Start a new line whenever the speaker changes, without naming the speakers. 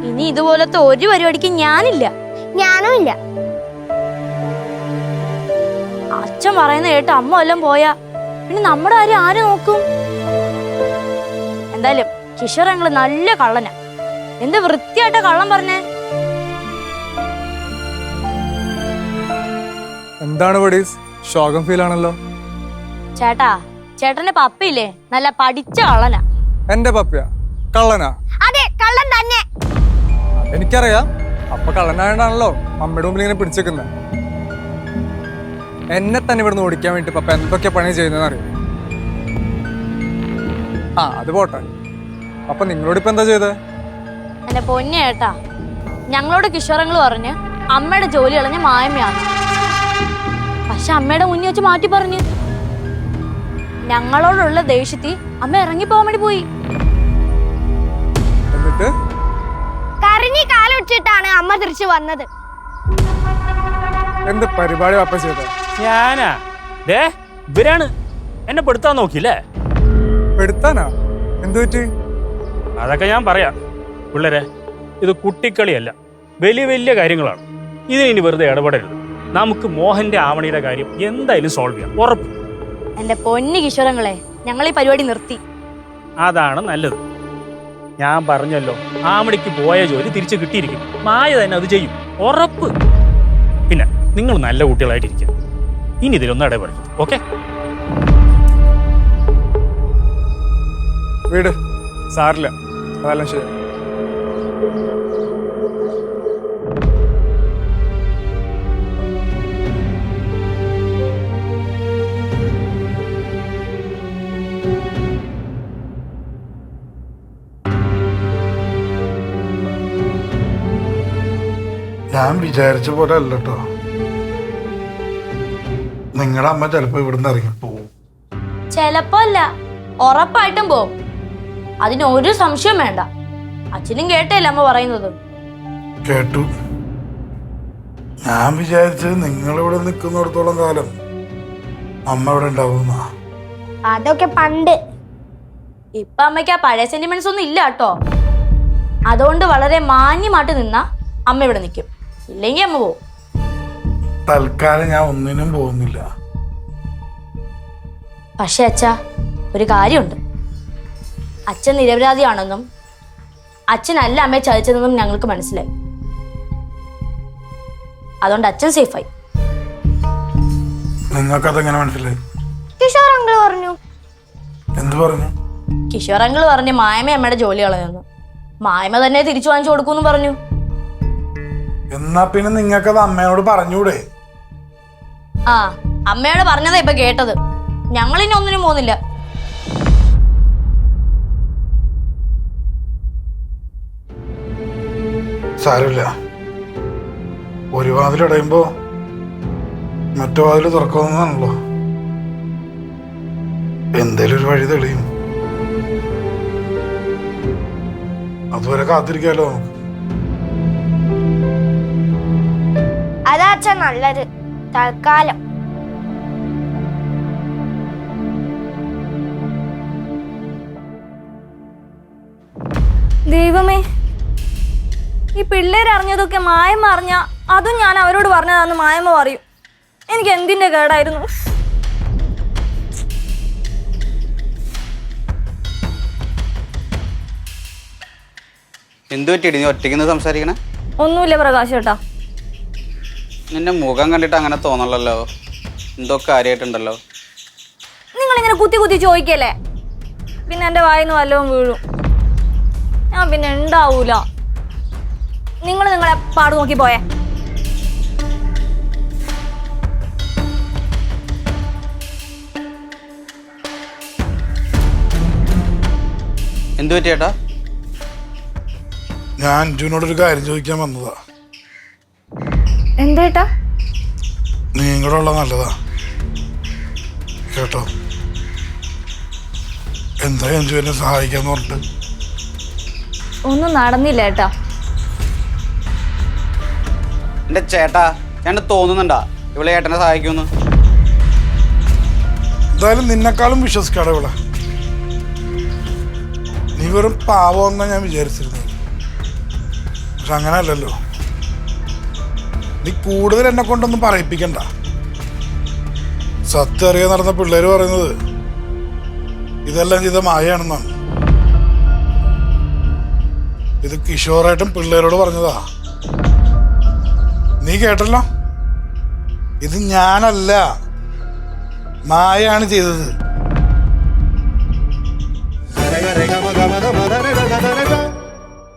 ഇനി ഇതുപോലത്തെ ഒരു പരിപാടിക്ക് ഞാനില്ല.
ഞാനും ഇല്ല.
അച്ഛൻ പറയുന്ന കേട്ട് അമ്മ വല്ലതും പോയാ പിന്നെ നമ്മുടെ കാര്യം ആര് നോക്കും? എന്തായാലും കിഷോർ ഞങ്ങള് നല്ല കള്ളനാ. എന്ത് വൃത്തിയായിട്ടാ കള്ളം പറഞ്ഞേ.
എന്താണ് ബഡീസ്, ശോകം ഫീൽ ആണല്ലോ?
ചേട്ടാ, ചേട്ടന്റെ പപ്പയില്ലേ നല്ല പഠിച്ച കള്ളനാ.
എന്റെ പപ്പയാ കള്ളനാ?
അതെ, കള്ളൻ തന്നെ.
എനിക്കറിയാം. അപ്പൊ കള്ളനായോണ്ടാണല്ലോ അമ്മയുടെ മുമ്പിൽ ഇങ്ങനെ പിടിച്ചേക്കുന്നത്. എന്നെ തന്നെ ഇവിടുന്ന് ഓടിക്കാൻ വേണ്ടി പപ്പ എന്തൊക്കെ പണി ചെയ്യുന്നതെന്ന് അറിയാം. അത് പോട്ടെ. അപ്പൊ നിങ്ങളോട് ഇപ്പൊ എന്താ ചെയ്തത്?
എന്റെ പൊന്നെ ചേട്ടാ, ഞങ്ങളോട് കിഷോറങ്ങൾ പറഞ്ഞ് അമ്മയുടെ ജോലി കളഞ്ഞ മായമ്മയാണ്. പക്ഷെ അമ്മയുടെ മുന്നിൽ വെച്ച് മാറ്റി പറഞ്ഞു. ഞങ്ങളോടുള്ള ദേഷ്യത്തിൽ അമ്മ ഇറങ്ങി പോകാൻ വേണ്ടി പോയി.
എന്നിട്ട്
കരഞ്ഞി കാലൊടിച്ചിട്ടാണ് അമ്മ തിരിച്ചു വന്നത്.
എന്ത് പരിപാടി പപ്പ ചെയ്തത്?
ഞാനാ ഇവരാണ് എന്നെ പെടുത്താൻ നോക്കിയില്ലേ?
പെടുത്താനാ? എന്തു പറ്റി?
അതൊക്കെ ഞാൻ പറയാം. പിള്ളേരെ, ഇത് കുട്ടിക്കളിയല്ല, വലിയ വലിയ കാര്യങ്ങളാണ്. ഇതിനി വെറുതെ ഇടപെടരുത്. നമുക്ക് മോഹന്റെ ആവണിയുടെ കാര്യം എന്തായാലും സോൾവ് ചെയ്യാം, ഉറപ്പ്.
എന്റെ പൊന്നു കിഷോറങ്ങളെ, ഞങ്ങൾ ഈ പരിപാടി നിർത്തി.
അതാണ് നല്ലത്. ഞാൻ പറഞ്ഞല്ലോ, ആവണിക്ക് പോയ ജോലി തിരിച്ചു കിട്ടിയിരിക്കും. മായ തന്നെ അത് ചെയ്യും, ഉറപ്പ്. പിന്നെ നിങ്ങൾ നല്ല കുട്ടികളായിട്ടിരിക്കുക. ഇനി ഇതിലൊന്നും ഇടപെടും, ഓക്കെ?
വീട് സാറില്ല, അതെല്ലാം ശരി.
ഞാൻ വിചാരിച്ച പോലെ അല്ല കേട്ടോ. നിങ്ങളുടെ അമ്മ ചിലപ്പോ ഇവിടുന്ന് ഇറങ്ങിപ്പോവും.
ചെലപ്പോ അല്ല, ഉറപ്പായിട്ടും പോവും. അതിനൊരു സംശയം വേണ്ട. അച്ഛനും കേട്ടല്ലേ അമ്മ പറയുന്നത്?
കേട്ടു. ഞാൻ വിചാരിച്ചത് നിങ്ങളിവിടെ നിൽക്കുന്നിടത്തോളം കാലം അമ്മ ഇവിടെ ഉണ്ടാവുന്ന.
അതൊക്കെ പണ്ട്.
ഇപ്പൊ അമ്മയ്ക്ക് ആ പഴയ സെന്റിമെന്റ്സ് ഒന്നും ഇല്ല കേട്ടോ. അതുകൊണ്ട് വളരെ മാന്യമായിട്ട് നിന്നാ അമ്മ ഇവിടെ നിൽക്കും, ഇല്ലെങ്കിൽ അമ്മ പോവും.
തൽക്കാലം ഞാൻ ഒന്നിനും പോകുന്നില്ല.
പക്ഷെ അച്ഛാ, ഒരു കാര്യമുണ്ട്. അച്ഛൻ നിരപരാധിയാണെന്നും അച്ഛനല്ല അമ്മയെ ചതിച്ചതെന്നും ഞങ്ങൾക്ക് മനസ്സിലായി. അതുകൊണ്ട് അച്ഛൻ സേഫായി.
നിങ്ങൾക്കതെങ്ങനെ മനസ്സിലായി?
കിഷോർ അങ്കിൾ പറഞ്ഞു.
എന്ത് പറഞ്ഞു?
കിഷോർ അങ്കിൾ പറഞ്ഞു മായമ അമ്മയുടെ ജോലി കളഞ്ഞു. മായമ തന്നെ തിരിച്ചു വാങ്ങിച്ചു കൊടുക്കൂന്ന് പറഞ്ഞു.
എന്നാ പിന്നെ നിങ്ങൾക്കത് അമ്മയോട് പറഞ്ഞൂടെ?
അമ്മയോട് പറഞ്ഞതാ ഇപ്പൊ കേട്ടത്. ഞങ്ങളിനി ഒന്നിനും പോകുന്നില്ല.
സാരമില്ല. ഒരു വാതിലടയുമ്പോ മറ്റു വാതിൽ തുറക്കാവുന്നതാണല്ലോ. എന്തേലും ഒരു വഴി തെളിയും. അതുവരെ കാത്തിരിക്കാലോ നമുക്ക്.
അതാ അച്ഛൻ നല്ലത്, തൽക്കാലം.
ദൈവമേ, ഈ പിള്ളേർ അറിഞ്ഞതൊക്കെ മായമ്മ അറിഞ്ഞ അതും ഞാൻ അവരോട് പറഞ്ഞതാന്ന് മായമ്മ പറയും. എനിക്ക് എന്തിന്റെ കേടായിരുന്നു.
എന്തു പറ്റിയിട്ട് നീ ഒറ്റയ്ക്ക് സംസാരിക്കണേ?
ഒന്നുമില്ല പ്രകാശ് ചേട്ടാ.
നിന്റെ മുഖം കണ്ടിട്ട് അങ്ങനെ തോന്നണല്ലോ. എന്തോ കാര്യമായിട്ടുണ്ടല്ലോ.
നിങ്ങളിങ്ങനെ കുത്തി കുത്തി ചോദിക്കല്ലേ, പിന്നെ എൻ്റെ വായിന്ന് വല്ലതും വീഴും. ഞാൻ പിന്നെ ഉണ്ടാവൂല. നിങ്ങൾ നിങ്ങളെ പാട് നോക്കി പോയേ.
എന്തു പറ്റി ചേട്ടാ?
ഞാൻ അഞ്ജുവിനോടൊരു കാര്യം ചോദിക്കാൻ വന്നതാ.
എന്തേട്ടാ?
നീ കൂടെ ഉള്ള നല്ലതാ കേട്ടോ. എന്താ അഞ്ജു എന്നെ സഹായിക്കാന്ന് പറഞ്ഞിട്ട്?
ഒന്നും നടന്നില്ല ഏട്ടാ.
എന്റെ ചേട്ടാ, ചേട്ടന് തോന്നുന്നുണ്ടാ ഇവളെ ഏട്ടനെ സഹായിക്കുമെന്ന്?
എന്തായാലും നിന്നെക്കാളും വിശ്വസിക്കാടെ ഇവിടെ. നീ വെറും പാവമെന്നാ ഞാൻ വിചാരിച്ചിരുന്നത്. പക്ഷെ അങ്ങനെ അല്ലല്ലോ. നീ കൂടുതൽ എന്നെ കൊണ്ടൊന്നും പറയിപ്പിക്കണ്ട. സത്യം അറിയാൻ നടന്ന പിള്ളേര് പറയുന്നത് ഇതെല്ലാം ചെയ്ത മായയാണെന്നാണ്. ഇത് കിഷോറായിട്ടും പിള്ളേരോട് പറഞ്ഞതാ. നീ കേട്ടല്ലോ? ഇത് ഞാനല്ല, മായയാണ് ചെയ്തത്.